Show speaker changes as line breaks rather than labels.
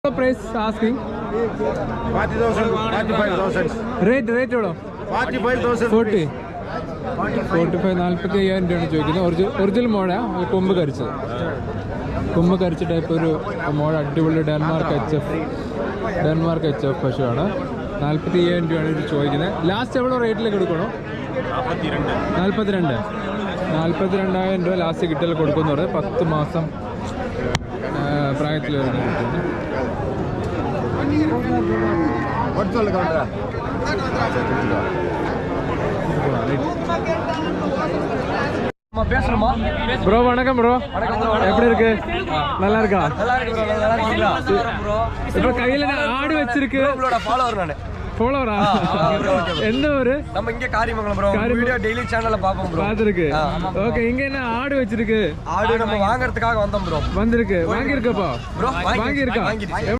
What price asking?
40,000, 45,000.
Rate euro?
45,000.
40. 45, 45,000 രൂപയാണ് ചോദിക്കുന്നത്. Original മോഴ കൊമ്പ് കരിച്ചത്. കൊമ്പ് കരിച്ച ടൈപ്പ് ഒരു മോഴ അടിപൊളി ഡെൻമാർക്ക് എച്ച് എഫ് പശുവാണ്. 45,000 രൂപയാണ് ഇത് ചോദിക്കുന്നത്. ലാസ്റ്റ് എവിടെ റേറ്റിലേക്ക് എടുക്കണോ? 42,000 രൂപ ലാസ്റ്റ് കിട്ടൽ കൊടുക്കുന്നുണ്ട്. 10 മാസം പ്രായത്തിൽ വരുന്ന കിട്ടുന്നു. ப்ரோ வணக்கம் ப்ரோ, எப்படி இருக்கு? நல்லா இருக்கா? இப்ப கையில ஆடு வச்சிருக்கு. ஃபாலோவரா? எந்த ஊரு?
நம்ம இங்க காரியமங்கலம் ப்ரோ. வீடியோ டெய்லி சேனல்ல பாப்போம் ப்ரோ.
பாத்துருக்கு. ஓகே, இங்க என்ன ஆடு வச்சிருக்கு?
ஆடு நம்ம வாங்குறதுக்காக வந்தோம் ப்ரோ.
வந்திருக்கு. வாங்கி இருக்கப்பா?
ப்ரோ
வாங்கி இருக்கா?